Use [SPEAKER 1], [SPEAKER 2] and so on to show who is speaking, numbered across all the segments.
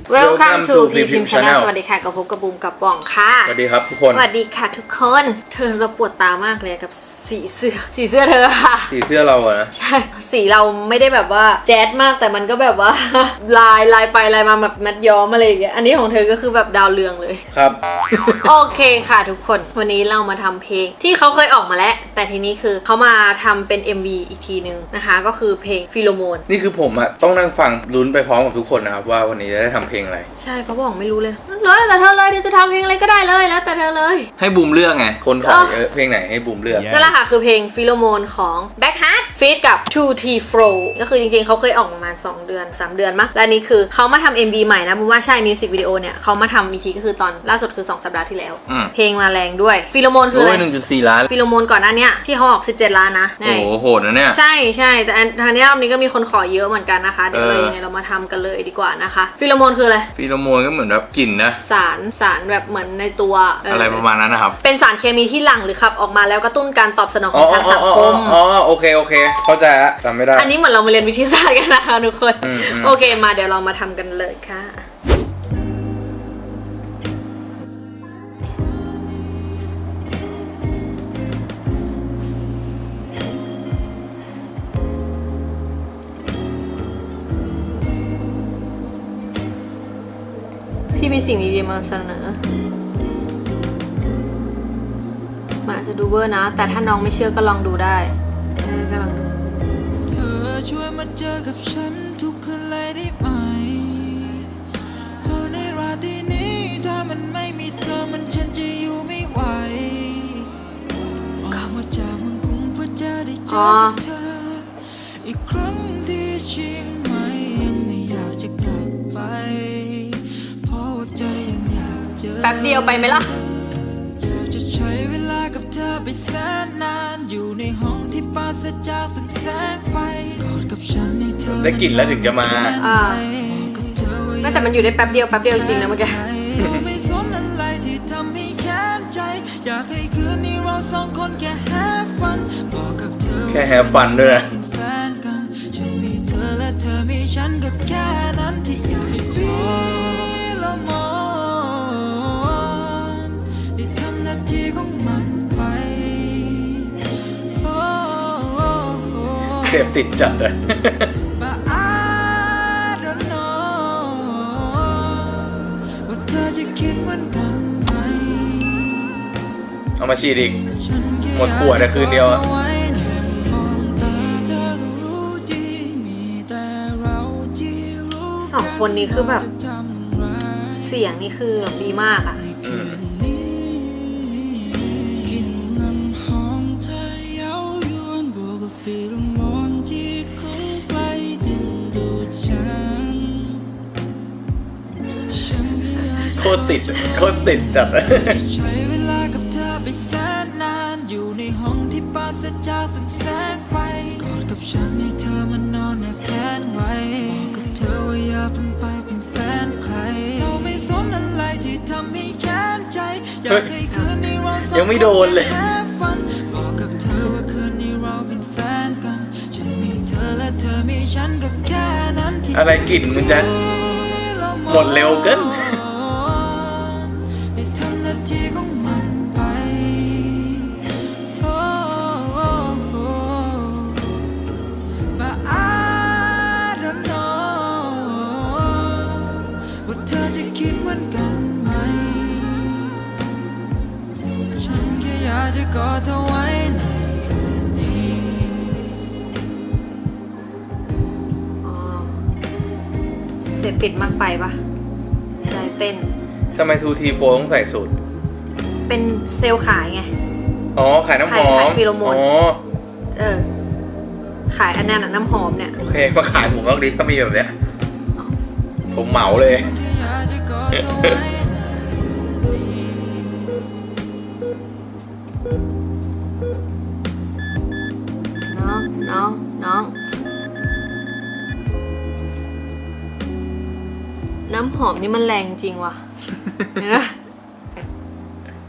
[SPEAKER 1] Welcome to PPM Channel สวัสดีค่ะกับพบกับบูมกับป่องค่ะ
[SPEAKER 2] สวัสดีครับทุกคน
[SPEAKER 1] สวัสดีค่ะทุกคนเธอเราปวดตามากเลยกับสีเสื้อเธอค่ะ
[SPEAKER 2] สีเสื้อเราอะนะ
[SPEAKER 1] ใช่สีเราไม่ได้แบบว่าแจ๊ดมากแต่มันก็แบบว่า ลายไปลายมาแบบมัดย้อมอะไรอย่างเงี้ยอันนี้ของเธอก็คือแบบดาวเรืองเลย
[SPEAKER 2] ครับ
[SPEAKER 1] โอเคค่ะทุกคนวันนี้เรามาทำเพลงที่เขาเคยออกมาแล้วแต่ทีนี้คือเขามาทำเป็น MV อีกทีนึงนะคะก็คือเพลงฟิโลโมน
[SPEAKER 2] นี่คือผมอะต้องนั่งฟังลุ้นไปพร้อมกับทุกคนนะครับว่าวันนี้จะได้ทำเพลงอะไร
[SPEAKER 1] ใช่เพราะบอกไม่รู้เลยแล้วแต่เธอเลยเดี๋ยวจะทำเพลงอะไรก็ได้เลยแล้วแต่เธอเลย
[SPEAKER 2] ให้บูมเลือกไงคนขอเยอะเพลงไหนให้บูมเลือก
[SPEAKER 1] นั่นแหละค่ะคือเพลงฟิโลโมนของ Backheart feat กับ 2T Fro ก็คือจริงๆเขาเคยออกประมาณ2 เดือน 3 เดือนมั้งและนี่คือเขามาทำ MV ใหม่นะบูมว่าใช่มิวสิกวิดีโอเนี่ยเขามาทำอีกทีก็คือตอนล่าสุดคือ2 สัปดาห์ที่แล้วเพลงมาแรงด้วยฟิโลโมนคืออะไร
[SPEAKER 2] 1.4 ล้าน
[SPEAKER 1] ฟิโลโมนก่อนหน้านี้ที่เขาออก17 ล้านนะ
[SPEAKER 2] โอ้โหโหดนะเนี่ย
[SPEAKER 1] ใช่แต่ทางนี้รอบนี้ก็มีคนขอเยอะเหมือนกันนะคะเดี๋ยวเลยยังไงเรามาทำกันเลยดีกว่านะคะฟิโลโมนคืออะไร
[SPEAKER 2] ฟิโลโมนก็เหมือนแบบกลิ่นนะ
[SPEAKER 1] สารแบบเหมือนในตัว
[SPEAKER 2] อะไรประมาณนั้นนะครับ
[SPEAKER 1] เป็นสารเคมีที่หลั่งหรือขับออกมาแล้วกระตุ้นการตอบสนองของทางสังคม
[SPEAKER 2] โอเคเข้าใจละจำไม่ได้
[SPEAKER 1] อันนี้เหมือนเรามาเรียนวิทยาศาสตร์กันนะคะทุกคนโอเคมาเดี๋ยวเรามาทำกันเลยค่ะพี่มีสิ่งดีๆมาเสนอมาจะดูเวอร์นะแต่ถ้าน้องไม่เชื่อก็ลองดูได้ก็ลองดู
[SPEAKER 3] เธอช่วยมาเจอกับฉันทุกคืนเลยได้ไหมเพราะในราตรีนี้ถ้ามันไม่มีเธอมันฉันจะอยู่ไม่ไหวออกมาจากเมืองกรุงเพื่อจะได้เจอกับเธออีกครั้งที่เชียงใหม่ยังไม่อยากจะกลับไปเพราะว่าใจยังอยากเจอ
[SPEAKER 1] แป๊บเดียวไปไหมล่ะ
[SPEAKER 3] อยากจะใช้เวลากับเธอไปแสนนานอยู่ในห้องที่ปราศจากแสงไฟกอดกับฉันให้เธอ
[SPEAKER 2] ได้กลิ่นแล้วถึงจะมา
[SPEAKER 1] แต่มันอยู่ได้แป๊บเดียวจริงนะเมื่อกี้
[SPEAKER 3] ไม่สนอะไรที่ทำให้แค้นใจอยากให้คืนนี้เราสองคนแค่แฮปฟันบอกกับเธอ
[SPEAKER 2] แค่แฮปฟันด้วยนะ
[SPEAKER 3] เป็นแฟนกันฉันมีเธอและเธอมีฉันก็แค่นั้นที่อยากให้ฟิโลโมนได้ทำหน้าที่ของมันไป
[SPEAKER 2] เสพติดจัดเลย
[SPEAKER 3] But I don't know ว่าเธอจะคิดเหมือนกันไหม
[SPEAKER 2] เอามาฉีดอีกหมดขวดแต่คืนเดียวอะ
[SPEAKER 1] 2 คนนี้คือแบบเสียงนี่คือแบบดีมากอ่ะ
[SPEAKER 2] โคตรติดจัดเลย
[SPEAKER 3] ใช้เวลากับเธอไปแสนนานอยู่ในห้องที่ปราศจากแสงไฟกอดกับฉันให้เธอมานอนแนบแขนไว้บอกกับเธอว่าอย่าเพิ่งไปเป็นแฟนใครเราไม่สนอะไรที่ทำให้แค้นใจอยากให้คืนนี้เราสองคน
[SPEAKER 2] ยังไม่โดนเลย
[SPEAKER 3] บอกกับเธอว่าคืนนี้เราเป็นแฟนกันฉันมีเธอและเธอมีฉันก็แค่นั้นที่
[SPEAKER 2] อะไรกลิ่นมันจะหมดเร็วเกิน
[SPEAKER 3] ที่ของมันไปBut I don't know ว่าเธอจะคิดเหมือนกันไหมฉันแค่อยากจะกอดเธอไว้ในคืนนี้
[SPEAKER 1] เสพติดมากไปปะใจเต้น
[SPEAKER 2] ทำไม 2T Fro ต้องใส่สูตร
[SPEAKER 1] เป็นเซลล์ขายไง
[SPEAKER 2] ขายน้ำหอม
[SPEAKER 1] ขายฟิโลโมนขายอันนั้นน้ำหอมเนี่ย
[SPEAKER 2] โอเคมาขายผมก็ดีถ้ามีแบบเนี้ยผมเหมาเลย
[SPEAKER 1] น้องน้ำหอมนี่มันแรงจริงว่ะเห็นไหม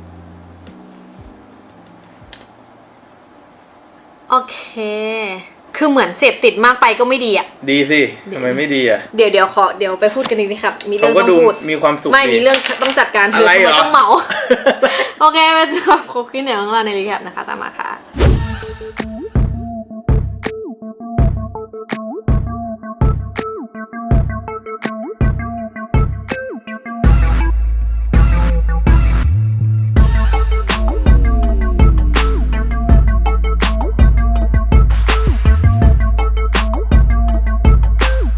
[SPEAKER 1] โอเคคือเหมือนเสพติดมากไปก็ไม่ดีอ่ะ
[SPEAKER 2] ดีสิทำไมไม่ดีอ่ะ
[SPEAKER 1] เดี๋ยวไปพูดกันอีกนะครับมีเรื่
[SPEAKER 2] เขา
[SPEAKER 1] อง
[SPEAKER 2] ก็
[SPEAKER 1] ต้อ
[SPEAKER 2] ดู
[SPEAKER 1] งพูด
[SPEAKER 2] มีความสุข
[SPEAKER 1] ไม่
[SPEAKER 2] ดี
[SPEAKER 1] มีเรื่องต้องจัดการ
[SPEAKER 2] อะไรเหรอ
[SPEAKER 1] ต้องเหมา โอเคมาจบครบขึ้นเหนือของเราในรีแคปนะคะตามมาค่ะ